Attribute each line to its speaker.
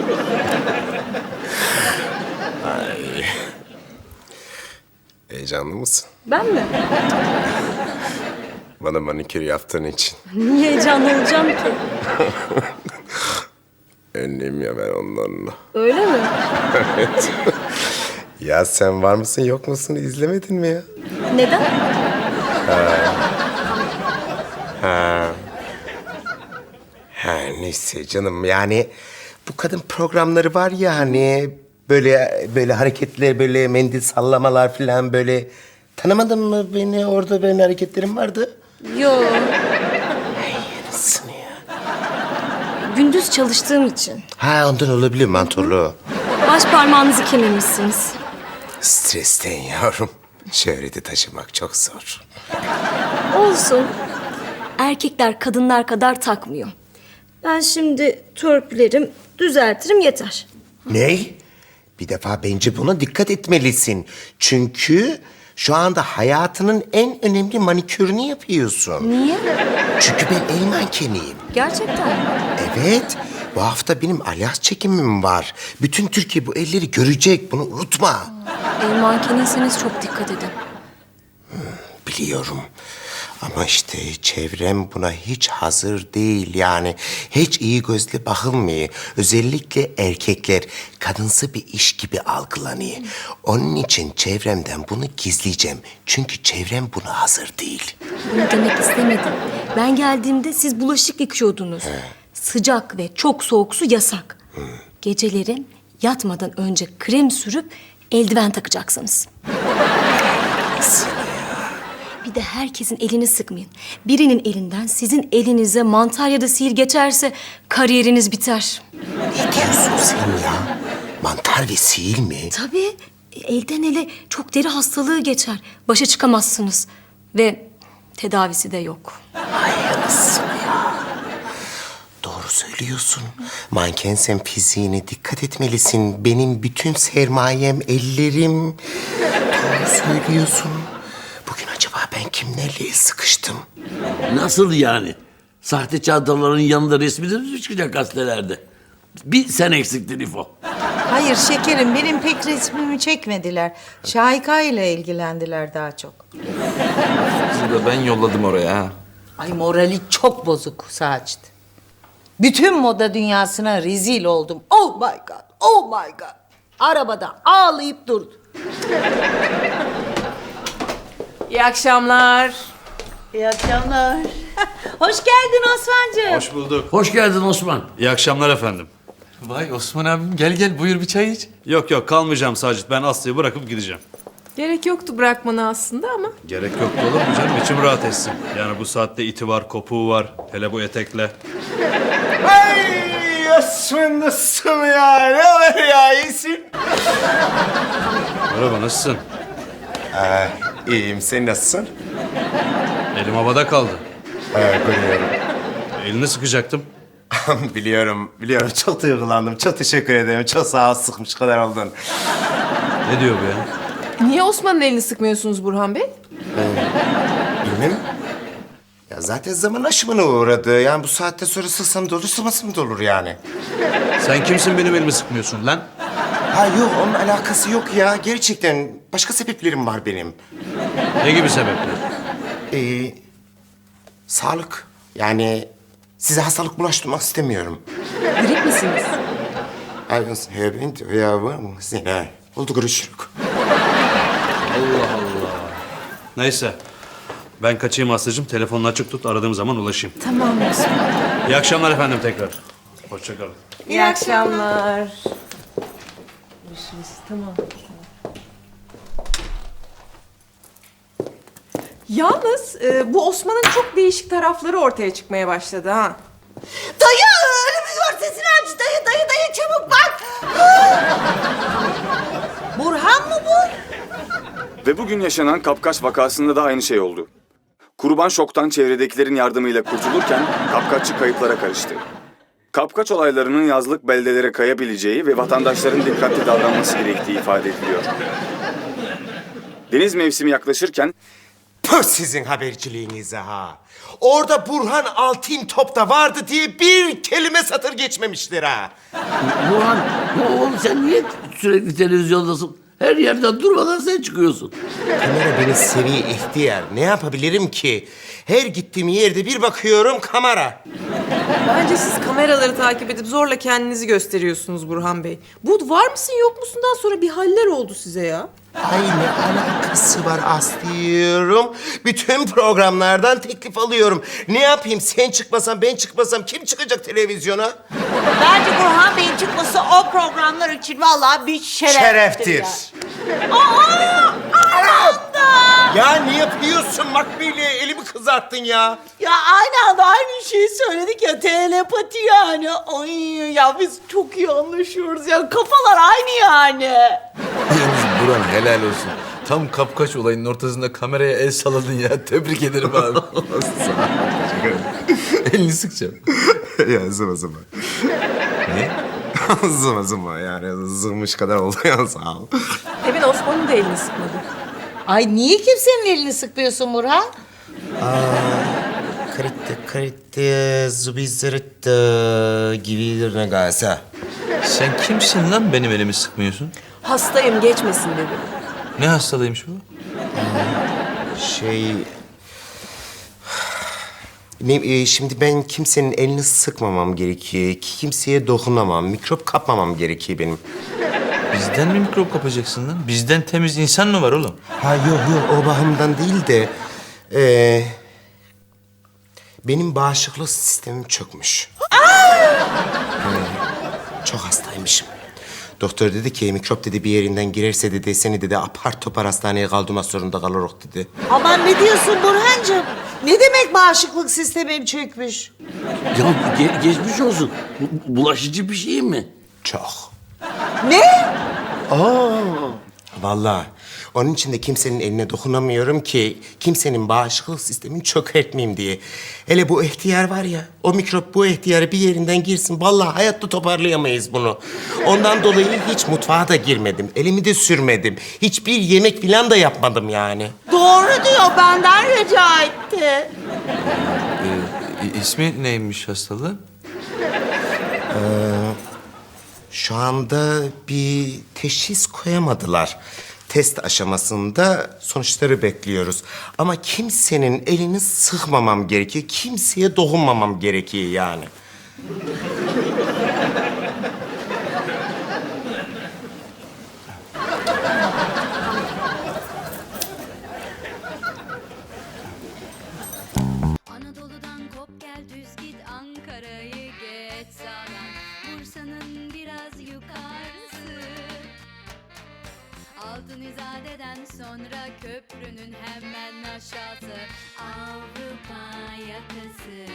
Speaker 1: Ay. Heyecanlı mısın?
Speaker 2: Ben mi?
Speaker 1: Bana manikür yaptığın için.
Speaker 2: Niye heyecanlı olacağım ki?
Speaker 1: Önlüyüm ya ben onlarla.
Speaker 2: Öyle mi?
Speaker 1: Evet. Ya sen var mısın yok musun izlemedin mi ya?
Speaker 2: Neden?
Speaker 1: Ha neyse canım yani bu kadın programları var ya hani böyle hareketler böyle mendil sallamalar falan böyle tanımadın mı beni orada benim hareketlerim vardı.
Speaker 2: Yo.
Speaker 1: Nasıl ya?
Speaker 2: Gündüz çalıştığım için.
Speaker 1: Ha ondan olabilir mantorlu.
Speaker 2: Baş parmağınızı kemirmişsiniz.
Speaker 1: Stresten yavrum. Şöhreti taşımak çok zor.
Speaker 2: Olsun. Erkekler kadınlar kadar takmıyor. Ben şimdi törpülerim, düzeltirim yeter.
Speaker 1: Ney? Bir defa bence buna dikkat etmelisin. Çünkü şu anda hayatının en önemli manikürünü yapıyorsun.
Speaker 2: Niye?
Speaker 1: Çünkü ben el mankeniyim.
Speaker 2: Gerçekten mi?
Speaker 1: Evet. Bu hafta benim alyans çekimim var. Bütün Türkiye bu elleri görecek. Bunu unutma.
Speaker 2: El mankeniyseniz çok dikkat edin.
Speaker 1: Biliyorum. Ama işte çevrem buna hiç hazır değil yani. Hiç iyi gözle bakılmıyor. Özellikle erkekler kadınsı bir iş gibi algılanıyor. Onun için çevremden bunu gizleyeceğim. Çünkü çevrem buna hazır değil.
Speaker 2: Bunu demek istemedim. Ben geldiğimde siz bulaşık yıkıyordunuz. Sıcak ve çok soğuk su yasak. Geceleri yatmadan önce krem sürüp eldiven takacaksınız. Bir de herkesin elini sıkmayın. Birinin elinden sizin elinize mantar ya da sihir geçerse kariyeriniz biter.
Speaker 1: Ne diyorsun sen ya? Mantar ve sihir mi?
Speaker 2: Tabii elden ele çok deri hastalığı geçer. Başa çıkamazsınız. Ve tedavisi de yok.
Speaker 1: Ay anasını ya. Doğru söylüyorsun. Mankensen fiziğine dikkat etmelisin. Benim bütün sermayem ellerim. Doğru söylüyorsun. Bugün acaba ben kimlerle el sıkıştım?
Speaker 3: Nasıl yani? Sahte çantaların yanında resminiz mi çıkacak gazetelerde? Bir sen eksiktin İfo.
Speaker 4: Hayır şekerim, benim pek resmimi çekmediler. Şahika ile ilgilendiler daha çok.
Speaker 5: Sizi de ben yolladım oraya ha.
Speaker 4: Ay morali çok bozuk Sacit. Bütün moda dünyasına rezil oldum. Oh my god, oh my god. Arabada ağlayıp durdu.
Speaker 6: İyi akşamlar.
Speaker 4: İyi akşamlar. Hoş geldin Osman'cığım.
Speaker 7: Hoş bulduk.
Speaker 3: Hoş geldin Osman.
Speaker 7: İyi akşamlar efendim.
Speaker 5: Vay Osman abim gel buyur bir çay iç.
Speaker 7: Yok kalmayacağım Sacit. Ben Aslı'yı bırakıp gideceğim.
Speaker 6: Gerek yoktu bırakmana aslında ama.
Speaker 7: Gerek yoktu olur mu canım? İçim rahat etsin. Yani bu saatte iti var, kopuğu var. Hele bu etekle.
Speaker 1: Ay Osman nasılsın ya? Ne haber ya? İyisin?
Speaker 7: Merhaba nasılsın?
Speaker 1: İyiyim. Sen nasılsın?
Speaker 7: Elim havada kaldı.
Speaker 1: Biliyorum.
Speaker 7: Elini sıkacaktım.
Speaker 1: biliyorum. Çok duygulandım. Çok teşekkür ederim. Çok sağ ol. Sıkmış kadar oldun.
Speaker 7: Ne diyor bu ya?
Speaker 6: Niye Osman'ın elini sıkmıyorsunuz Burhan Bey?
Speaker 1: Bilmem. Ya zaten zaman aşımına uğradı. Yani bu saatte sonra sıksam da olur, sıkmasam da olur yani.
Speaker 7: Sen kimsin benim elimi sıkmıyorsun lan?
Speaker 1: Ha yok, onun alakası yok ya. Gerçekten başka sebeplerim var benim.
Speaker 7: Ne gibi sebepler?
Speaker 1: Sağlık. Yani size hastalık bulaştırmak istemiyorum.
Speaker 2: Grip misiniz?
Speaker 1: Oldu görüşürüz.
Speaker 7: Neyse. Ben kaçayım Aslı'cığım. Telefonunu açık tut. Aradığım zaman ulaşayım.
Speaker 2: Tamam Osman.
Speaker 7: İyi akşamlar efendim tekrar. Hoşça kalın.
Speaker 6: İyi akşamlar. Görüşürüz. Tamam. Yalnız bu Osman'ın çok değişik tarafları ortaya çıkmaya başladı ha.
Speaker 4: Dayı önümüz var, sesini aç. Dayı çabuk bak. Burhan mı bu?
Speaker 8: Ve bugün yaşanan kapkaç vakasında da aynı şey oldu. Kurban şoktan çevredekilerin yardımıyla kurtulurken kapkaççı kayıplara karıştı. Kapkaç olaylarının yazlık beldelere kayabileceği ve vatandaşların dikkatli davranması gerektiği ifade ediliyor. Deniz mevsimi yaklaşırken
Speaker 1: Püh sizin haberciliğinize ha. Orada Burhan Altıntop da vardı diye bir kelime satır geçmemiştir ha.
Speaker 3: Burhan, oğlum sen niye sürekli televizyondasın? Her yerden durmadan sen çıkıyorsun.
Speaker 1: Kamera beni seviye ihtiyar. Ne yapabilirim ki? Her gittiğim yerde bir bakıyorum kamera.
Speaker 6: Bence siz kameraları takip edip zorla kendinizi gösteriyorsunuz Burhan Bey. Bu var mısın yok musundan sonra bir haller oldu size ya.
Speaker 1: Ay ne alakası var Aslı'yorum. Bütün programlardan teklif alıyorum. Ne yapayım sen çıkmasan ben çıkmasam kim çıkacak televizyona?
Speaker 4: Bence Burhan Bey'in çıkması o programlar için vallahi bir şereftir.
Speaker 1: Ya ne yapıyorsun Makbule? Elimi kızarttın ya.
Speaker 9: Ya aynı anda aynı şeyi söyledik ya, telepati yani. Ay ya biz çok iyi anlaşıyoruz ya, kafalar aynı yani.
Speaker 5: Yalnız Burhan helal olsun. Tam kapkaç olayının ortasında kameraya el salladın ya. Tebrik ederim abi. Elini sıkacağım.
Speaker 1: Ya zıma zıma.
Speaker 5: Ne?
Speaker 1: Zıma zıma yani zımış kadar oldu ya sağ ol.
Speaker 6: Emin Osman'ın da elini sıkmadı.
Speaker 4: Ay niye kimsenin elini sıkmıyorsun Burhan?
Speaker 1: Kritte zubizirtte gibi ne gelse.
Speaker 5: Sen kimsin lan benim elimi sıkmıyorsun?
Speaker 6: Hastayım geçmesin dedim.
Speaker 5: Ne hastalığıymış bu?
Speaker 1: Şimdi ben kimsenin elini sıkmamam gerekiyor. Kimseye dokunamam. Mikrop kapmamam gerekiyor benim.
Speaker 5: Bizden mi mikrop kapacaksın lan? Bizden temiz insan mı var oğlum?
Speaker 1: Ha yok o bakımdan değil de... benim bağışıklık sistemim çökmüş. Çok hastaymışım. Doktor dedi ki mikrop dedi bir yerinden girerse dedi seni dedi apar topar hastaneye kaldırmak zorunda kalırız dedi.
Speaker 9: Aman ne diyorsun Burhancığım? Ne demek bağışıklık sistemim çökmüş?
Speaker 3: Ya geçmiş olsun. Bulaşıcı bir şey mi?
Speaker 1: Çok.
Speaker 9: Ne?
Speaker 1: Vallahi onun için de kimsenin eline dokunamıyorum ki kimsenin bağışıklık sistemini çökertmeyeyim diye. Hele bu ihtiyar var ya, o mikrop bu ihtiyarı bir yerinden girsin. Vallahi hayatta toparlayamayız bunu. Ondan dolayı hiç mutfağa da girmedim. Elimi de sürmedim. Hiçbir yemek falan da yapmadım yani.
Speaker 9: Doğru diyor, benden rica etti.
Speaker 5: İsmi neymiş hastalığı?
Speaker 1: Şu anda bir teşhis koyamadılar. Test aşamasında sonuçları bekliyoruz. Ama kimsenin elini sıkmamam gerekiyor. Kimseye dokunmamam gerekiyor yani.
Speaker 10: Anadolu'dan kop gel düz git Ankara'yı geç sağdan Bursa'nın biraz yukarısı Altın İzade'den sonra köprünün hemen aşağısı Avrupa yakası